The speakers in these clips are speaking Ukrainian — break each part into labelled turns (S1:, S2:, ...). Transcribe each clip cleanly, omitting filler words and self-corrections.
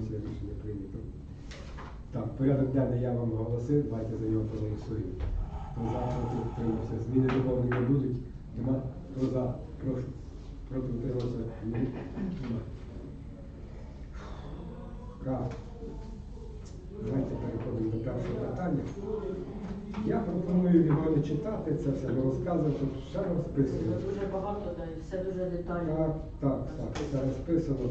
S1: це рішення прийнято. Так, порядок денний я вам оголосив, давайте за нього проголосуємо. Хто за, проти, утримався. Зміни доповнення будуть? Нема? Хто за, прошу. Проти, утримався? Нема. Правильно. Давайте переходимо до першого питання. Я пропоную його не читати, це все не розказувати, тут все розписано.
S2: Дуже багато, да, і все дуже детально.
S1: Так, все розписано.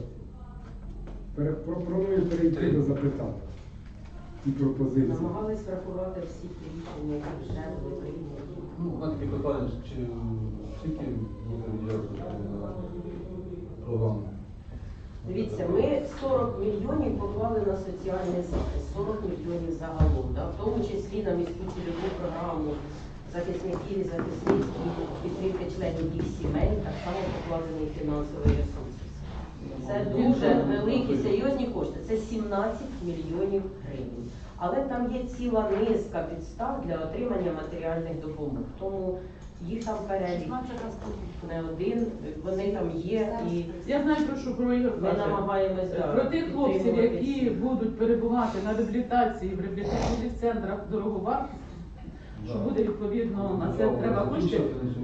S1: Пропоную перейти до запитань і пропозицій.
S2: Намагались врахувати всі ті рішення, які вже були прийняті.
S3: Ну, на таке питання, чи скільки буде виділятися на програму?
S2: Дивіться, ми 40 мільйонів поклали на соціальний захист, 40 мільйонів загалом, да? В тому числі на міську цільову програму захисників і захисниць і підтримки членів їх сімей, так само покладений фінансовий ресурс. Це дуже великі, серйозні кошти, це 17 мільйонів гривень. Але там є ціла низка підстав для отримання матеріальних допомог. Тому їх там перелік не один, вони там є. І
S4: я знаю, про що про Ігор
S2: ми
S4: каже.
S2: намагаємось
S4: Про тих хлопців, які будуть перебувати на реабілітації в реабілітаційних центрах дороговартості, що буде відповідно на це треба кошти.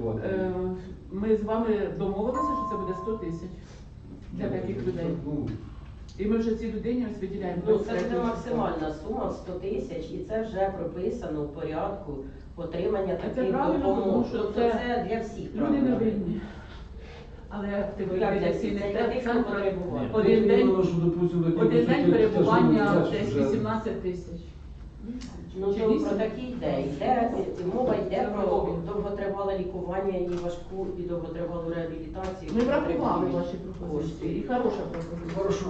S4: Ми з вами домовилися, що це буде 100 тисяч для таких людей. І ми вже цій людині ось виділяємо.
S2: Ну, це буде максимальна сума 100 тисяч, і це вже прописано в порядку отримання таких допомог.
S4: Тому що
S2: Тобто це для всіх
S4: люди
S2: правильно.
S4: не винні. Але
S2: Ну, як для всіх? Це для тих, хто потребуває.
S4: один день перебування десь 18 тисяч.
S2: Ну, то про такі йде. Мова йде про довготривале лікування і важку і довготривалу реабілітацію.
S4: Ми врахували ваші пропозиції. І хороша пропозиція.
S3: Хорошо.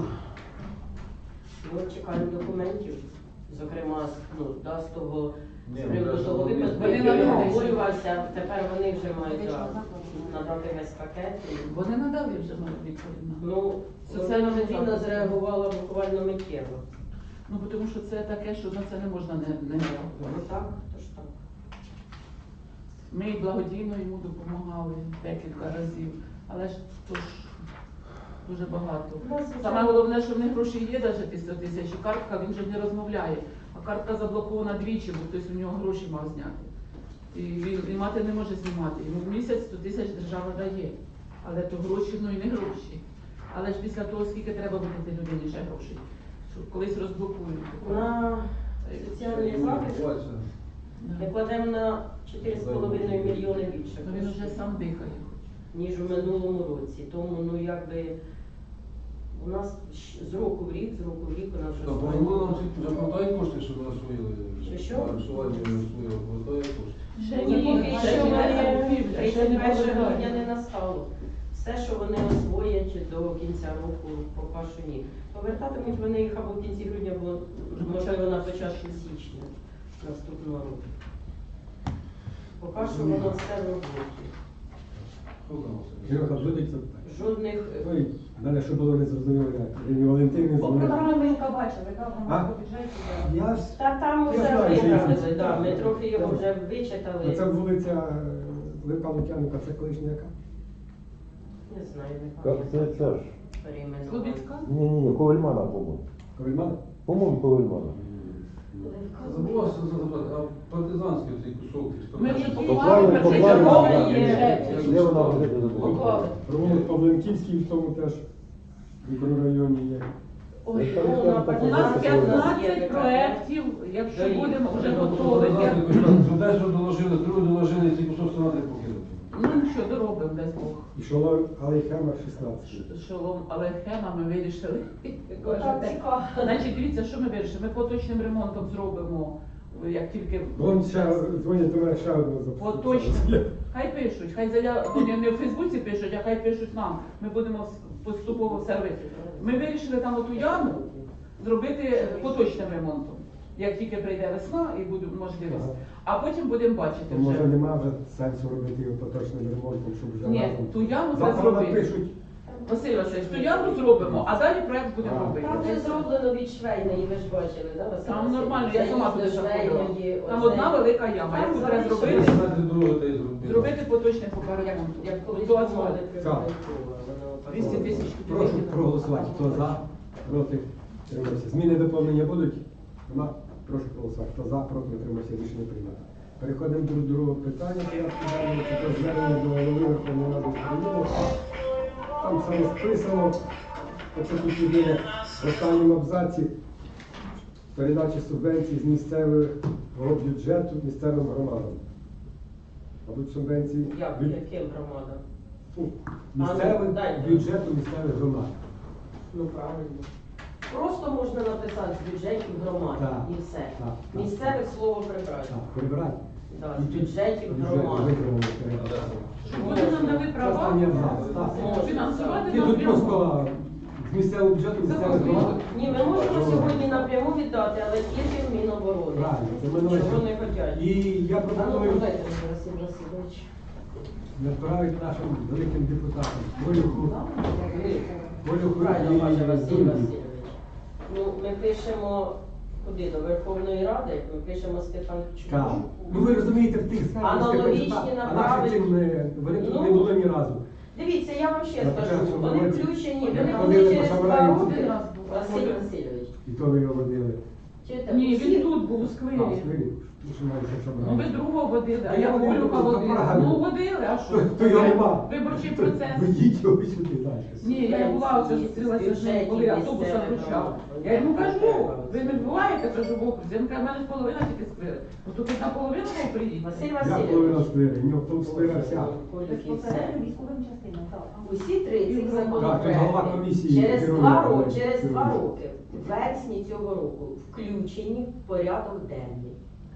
S2: Ми чекаємо документів, зокрема, з того
S3: Ні,
S2: з приводу того
S3: вони
S2: випадку,
S4: вони
S2: який
S4: надали.
S2: обговорювався, тепер вони вже мають надати весь пакет.
S4: Вони надали вже відповідь.
S2: Ну, Соціальна Петрівна зреагувала буквально миттєво.
S4: Ну, тому що це таке, що на це не можна не
S2: Ну
S4: реагувати.
S2: так, то ж так.
S4: Ми і благодійно йому допомагали декілька разів, але ж то ж дуже багато. Саме головне, що в них гроші є, навіть ті 100 тисяч, і картка, він же не розмовляє. А картка заблокована двічі, бо хтось у нього гроші мав зняти. І він мати не може знімати. Йому в місяць 100 тисяч держава дає. Але то гроші, ну і не гроші. Але ж після того, скільки треба буде людині ще грошей, що колись розблокують.
S2: На соціальний захист ми кладемо на 4,5 мільйони більше,
S4: Ну, він вже сам дихає.
S2: ніж у минулому році. Тому, у нас з року в рік у нас
S3: Тобто
S2: вже
S3: вони нам заплатають кошти, щоб нас освоїли?
S2: Що?
S3: Арсування не освоїли, повертає кошти.
S2: Поки що вони
S4: ще не
S2: 31 грудня
S4: повертають.
S2: не настало. Все, що вони освоять до кінця року, поки що ні. Повертатимуть вони їх або в кінці грудня, або можливо на початку січня наступного року. Поки що воно все в роботі.
S1: Серега, будуть запитання?
S2: Жодних.
S1: Ой, в мене що було незрозуміло, Ірина Валентинівна
S5: По
S1: дзвонила.
S5: програмі яка бачила, яка
S1: А?
S5: вона по бюджеті.
S1: Я ж...
S2: Та там
S1: Я
S2: вже
S1: знаю, що
S2: виправили,
S1: є.
S2: да, ми трохи його
S1: Так.
S2: вже вичитали.
S1: Це вулиця Левка Лук'яника, це колишня яка?
S2: Не знаю, не
S6: Как
S2: пам'ятаю.
S6: це ж?
S2: Перейменували.
S4: Слобідська?
S6: Ні, Ковельмана, по-моєму.
S1: Ковельмана?
S6: По-моєму, Ковельмана.
S3: Забувався запитати, а партизанський цей кусок?
S4: Ми вже
S6: Поклали,
S4: поклали
S6: поклали,
S4: першочерговий
S2: є.
S4: бюджет.
S6: Де вона вже буде?
S2: Поклали.
S1: Провулок Павленківський в тому теж мікрорайоні є.
S4: Ой,
S6: Це
S4: у
S6: там таке
S4: нас
S6: таке.
S4: 15 проєктів, якщо будемо вже готові.
S3: Десь доложили, другу доложили, цей кусок треба покинути.
S4: Ну нічого, доробимо, дай Бог.
S1: І Шолом Алейхема 16.
S4: Шолом, але схема ми вирішили.
S2: Так, цікаво.
S4: Значить, дивіться, що ми вирішили. Ми поточним ремонтом зробимо, як тільки
S1: Вон ще дзвонять до мене ще одного запитання.
S4: поточним. Хай пишуть, хай вони не в Фейсбуці пишуть, а хай пишуть нам. Ми будемо поступово все робити. Ми вирішили там оту яму зробити поточним ремонтом. Як тільки прийде весна і буде можливість. А потім будемо бачити
S1: Може
S4: вже.
S1: нема вже сенсу робити його поточним ремонтом, щоб вже
S4: Ні,
S1: разом.
S4: ту яму треба
S1: Завтра
S4: зробити.
S1: напишуть.
S4: Василь Васильович, ту яму зробимо, а далі проект будемо робити.
S2: Там вже зроблено від швейної, ви ж бачили, да, Василь
S4: Там
S2: Васильович?
S4: нормально, я сама туди
S2: Заїзд до
S4: заходила.
S2: швейної,
S4: Там
S2: оце.
S4: одна велика яма,
S2: Там
S4: яку треба
S2: залишилось.
S4: зробити,
S3: Знаєте, дорогу та й зробили.
S4: зробити поточний поки ремонт.
S2: Як колись
S4: До
S2: помоди
S4: асфальту.
S2: призвали.
S4: 200 тисяч
S1: Прошу
S4: кубів.
S1: проголосувати. Хто за, проти, Утримався. Зміни доповнення будуть? Нема? Прошу голосувати. Хто за, проти, утримався, рішення прийнято. Переходимо до другого питання. Порядку денного. Це про звернення до Голови Верховної Ради України. Там все розписано. Оце тут єдине в останньому абзаці передачі субвенцій з місцевого бюджету місцевим громадам. Мабуть, субвенції
S2: Яким громадам?
S1: місцевих
S2: дайте.
S1: бюджету місцевих громад.
S2: Ну правильно. Просто можна написати з бюджетів громад
S1: Так,
S2: і все.
S1: так, так.
S2: Місцевих слово прибрати.
S1: Так, прибирати.
S2: Да, з бюджетів громад.
S4: Щоб вони нам дали права
S1: Останній абзац, так.
S2: Можна.
S4: фінансувати
S1: Ні, тут
S4: напряму.
S1: просто з місцевого бюджету місцевих громад.
S2: Ні, ми можемо сьогодні напряму віддати, але тільки в Міноборони.
S1: Правильно, це минуле.
S2: Чого не хочуть.
S1: І я
S2: А ну,
S1: пропоную
S2: подайте мені, Василь Васильович.
S1: направити нашим великим депутатам Колюху
S2: Правильно
S1: і
S2: каже Василь
S1: Дунді.
S2: Васильович. Ну, ми пишемо куди? До Верховної Ради, ми пишемо Стефанчуку.
S1: Так. Ну ви розумієте, в тих сферах,
S2: Аналогічні
S1: Степанчука, а
S2: направити.
S1: наші цим вони тут
S2: Ну,
S1: не було ні разу.
S2: Дивіться, я вам ще
S1: На
S2: скажу,
S1: початку
S2: вони
S1: році
S2: включені,
S1: вони
S2: вони
S1: ходили
S2: були
S1: по
S2: через
S1: Шабраї.
S2: 2 роки.
S4: Один раз був.
S2: Василь Васильович.
S1: І то ви його водили.
S2: Чуєте?
S4: Ні,
S2: Всі-
S4: він тут був у сквері.
S1: Сквері.
S4: Ну ви другого водили, а
S1: Я
S4: я
S1: водив,
S4: Колюха
S1: то
S4: водила.
S1: правильно.
S4: Ну водили, а що?
S1: То його нема.
S4: Виборчий процес.
S1: Ведіть його сюди далі.
S4: Ні, я була оце зустрілася з ним, коли автобуса вручав. Я йому кажу, ви не буваєте, кажу, в окрузі. Він каже, в мене ж половина тільки сквери. Ну то тут наполовину мав приїхати.
S2: Василь
S1: Я половина
S2: Васильович.
S1: сквери, в нього там сквера вся.
S2: Колюх і все.
S5: Безпосередньо військовим частинам, так.
S2: Усі три цих
S1: Так, це голова
S2: законопроекти
S1: комісії
S2: через
S1: керує,
S2: 2 роки,
S1: але
S2: через 2
S1: керує.
S2: роки, в вересні цього року, включені в порядок денний.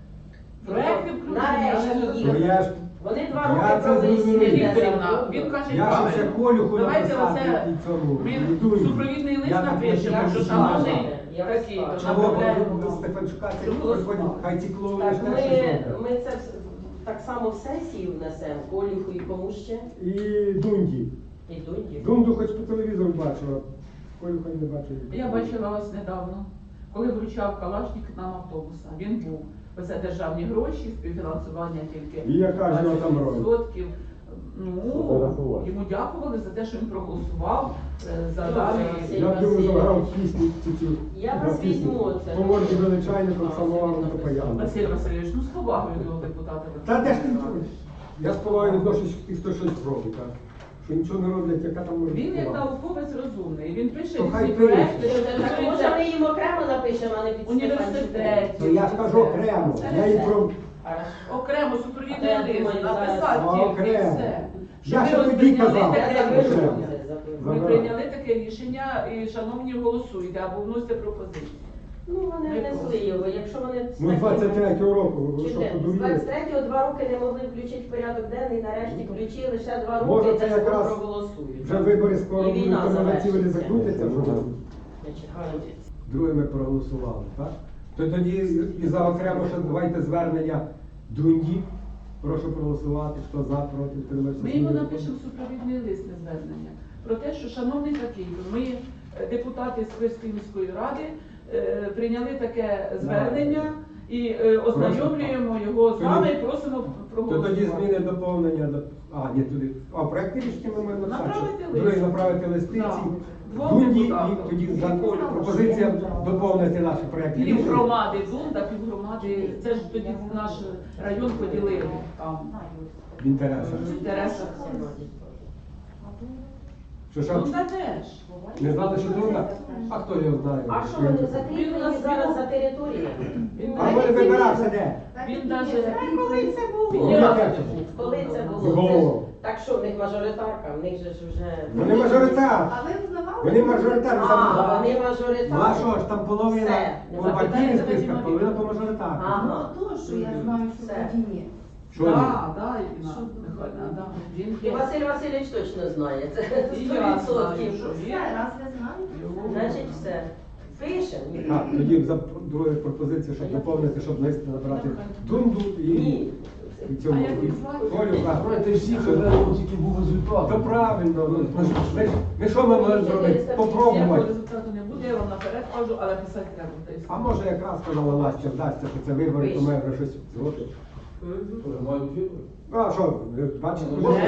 S4: Проекти включені, але
S2: Нарешті
S1: Ну,
S2: їх.
S1: я ж
S2: Вони 2
S1: Я
S2: роки
S1: це
S2: провели
S1: зрозумів.
S2: всі
S4: Вікторівна, він каже
S1: я ж ще
S4: правильно.
S1: Колюху
S4: Давайте
S1: написати
S4: оце
S1: і цьому.
S4: ми
S1: і Дунді.
S4: супровідний лист
S1: Я так
S4: напишемо,
S1: не
S4: що
S1: знаю.
S4: шановний
S2: Я
S4: такий,
S2: вас
S4: то
S2: бачу.
S1: Чого
S4: направляємо.
S1: Стефанчука це
S4: Щоб
S1: приходить,
S4: голосували.
S1: хай ці клоуни
S2: Так,
S1: ж теж щось роблять.
S2: ми це так само в сесії внесемо, Колюху і кому ще?
S1: І Дунді.
S2: І Дунді.
S1: Дунду хоч по телевізору бачила, Колюха не бачив.
S4: Я бачила вас недавно, коли вручав Калашник нам автобуса. Він був. Оце державні гроші, співфінансування тільки.
S1: І яка ж його там роль?
S4: 20%. Ну,
S6: Фотографувати.
S4: йому дякували за те, що він проголосував за
S2: Добре,
S4: дані.
S2: Василь.
S1: Я б йому заграв пісню цю.
S2: Я вас візьму оце.
S1: По морді величайником,
S2: А,
S1: самоваром
S2: собі
S1: то паяно.
S4: Василь Васильович, ну з повагою до депутата.
S1: Та де ж ти чуєш? Я з повагою відношусь тих, хто щось робить, так? Що нічого не роблять, яка там може
S4: Він як
S1: бути повага?
S4: науковець розумний. Він пише
S1: То хай
S4: ці
S1: пише.
S4: проекти, що
S2: Так, може
S4: стосуються
S2: ми їм окремо напишемо, а не під
S4: університетів.
S1: То я ж кажу окремо, я їй про...
S4: Окремо супровідний
S2: Я
S4: лист
S2: думаю,
S4: написати
S1: зараз-
S4: тільки і
S1: Окремо.
S4: все.
S1: Я
S4: Щоб
S1: ще
S4: ми
S1: тоді
S4: прийняли
S1: казав.
S4: таке
S2: Я
S1: Окремо.
S4: рішення. Ми
S1: Забирай.
S4: прийняли таке рішення і, шановні, голосуйте або вносите пропозиції.
S2: Ну, вони внесли його, якщо вони...
S1: Ну, 23-го року, ви що,
S2: Чуєте, з
S1: подуріли?
S2: 23-го 2 роки не могли включити в порядок денний, нарешті включили, ще 2 роки,
S1: Може,
S2: і
S1: це
S2: скоро
S1: якраз
S2: проголосують.
S1: Вже вибори скоро
S2: І
S1: будуть,
S2: війна
S1: то на ці вони
S2: завершиться.
S1: закрутяться вже.
S2: Значить, гарно.
S1: Друге ми проголосували, так? То тоді і за окремо ще давайте звернення Дунді. Прошу проголосувати, хто за, проти, утримався.
S4: Ми йому напишемо супровідний лист на звернення про те, що, шановний такий, ми, депутати Сквирської міської ради, прийняли таке звернення і ознайомлюємо його з вами і просимо
S1: То
S4: проголосувати.
S1: тоді зміни доповнення до... А, ні, туди. А, проекти рішення ми маємо
S4: Направити
S1: написати.
S4: лист.
S1: Друге направити листи
S4: Да.
S1: ці.
S4: Двом
S1: Дунді
S4: депутатам.
S1: і тоді за пропозиція доповнити наші проекти
S4: Пів
S1: рішення.
S4: громади Дунда, пів громади, це ж тоді наш район поділили там
S1: В інтересах.
S4: в інтересах.
S1: Що?
S4: Дунда теж.
S1: Не знали, що Дунда? А хто його знає?
S2: А що вони закріплені зараз за територією?
S1: А вони вибирався де?
S4: Він даже
S2: Коли це було?
S1: Ні, яке це
S2: Коли це
S1: було?
S2: було? Це ж- Так що, в них мажоритарка, в них же ж вже...
S1: Вони мажоритар.
S5: А ви узнавали?
S1: Вони мажоритарні.
S2: А, вони
S1: Ну а
S2: мажоритарні.
S1: що ж, там половина
S2: Все.
S1: по партійних списках, половина по мажоритарних.
S2: Ага.
S5: Ну, то, що я знаю, що
S2: Все.
S5: тоді ні.
S1: Що ні?
S4: да, Ірина Михайлівна, да. Він
S2: І Василь Васильович точно знає, це
S4: І я знаю,
S2: 100%.
S4: що
S5: Все,
S4: він.
S5: раз ви знаєте.
S2: Значить, все. Пишемо.
S1: Так, тоді за друга пропозиція, щоб доповнити, щоб лист набрати Дунду і
S2: Ні.
S1: цьому.
S4: А як
S1: і
S4: їх звати?
S1: Колю.
S3: Знаєте, всі казали, тільки був результат.
S1: То правильно, ну, ми що ми можемо зробити?
S4: Ніякого
S1: Попробувати.
S4: результату не буде, я вам наперед кажу, але писати треба. та й все.
S1: А може якраз сказала Настя, вдасться, що це вибори, то ми вже щось зробимо.
S2: Мгм.
S3: Мають вибори.
S1: Ну а що, ви бачите,
S3: Ну,
S1: може,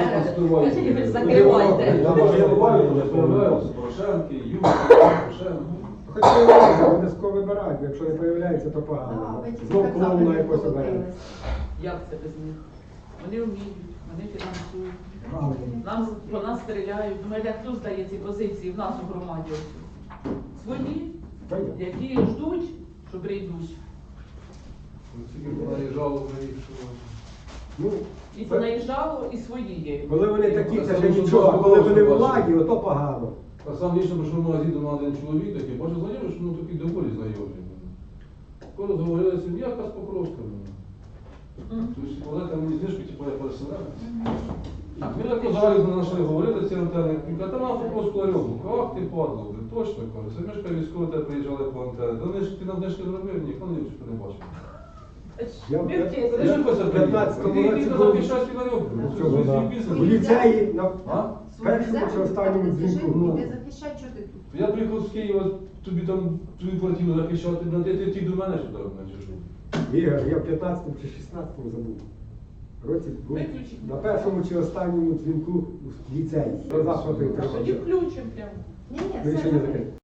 S2: Закривайте.
S3: Я Порошенки, Юрій, Порошенко.
S1: хоч появляється, обов'язково вибирають, якщо не появляється, то погано.
S5: Да, ви тільки
S1: Знов
S5: так
S1: клоуна
S5: само
S1: якось оберемо.
S5: покотились.
S4: Як це без них? Вони вміють, вони фінансують.
S1: Правильно.
S4: Нам по нас стріляють. Думаєте, хто здає ці позиції в нас у громаді? Свої,
S1: Понятно.
S4: які ждуть, що прийдуть.
S3: Тільки наїжджало на їх, що...
S1: Ну,
S4: І понаїжджало, і свої є.
S1: коли вони такі, це
S3: Це
S1: ще
S3: дуже
S1: нічого, а
S3: просто
S1: коли вони в
S3: бачити.
S1: владі, ото погано.
S3: А сам лічно прийшов в магазин до мене один чоловік такий, бачу знайомий, що ну такий доволі знайомий. Коли розговорилися, я якась Покровська. Тобто, коли там мені знижку, типу, я переселенець. Ми так позагалі знайшли, говорили ці антени. Він каже, та на Покровську ларьовку. Ах ти падло, блин, точно, каже. Це мешка військові, тебе приїжджали по антени. Та ти нам знижки зробив, ніхто не бачив.
S1: Я
S4: Ми в тій-
S3: Та що це
S1: в 15-му
S3: приїхав?
S1: році
S3: Іди
S1: був-
S3: захищати ларьовку.
S1: Ну,
S3: Це
S1: чого,
S3: свій
S1: да.
S3: бізнес.
S1: У ліцеї на
S3: А?
S1: першому чи останньому дзвінку. Ну,
S5: Іди захищай, що ти тут.
S3: Я приїхав з Києва, тобі там твою квартиру захищати, на ти ті до мене що треба, чи що?
S1: Ігор, я в 15-му чи 16-му забув. Році був
S4: Виключіть.
S1: на першому чи останньому дзвінку в ліцеї. Про заходи
S4: Тоді включимо прямо.
S5: Ні, ні,
S1: Рішення
S5: все.
S1: закрите.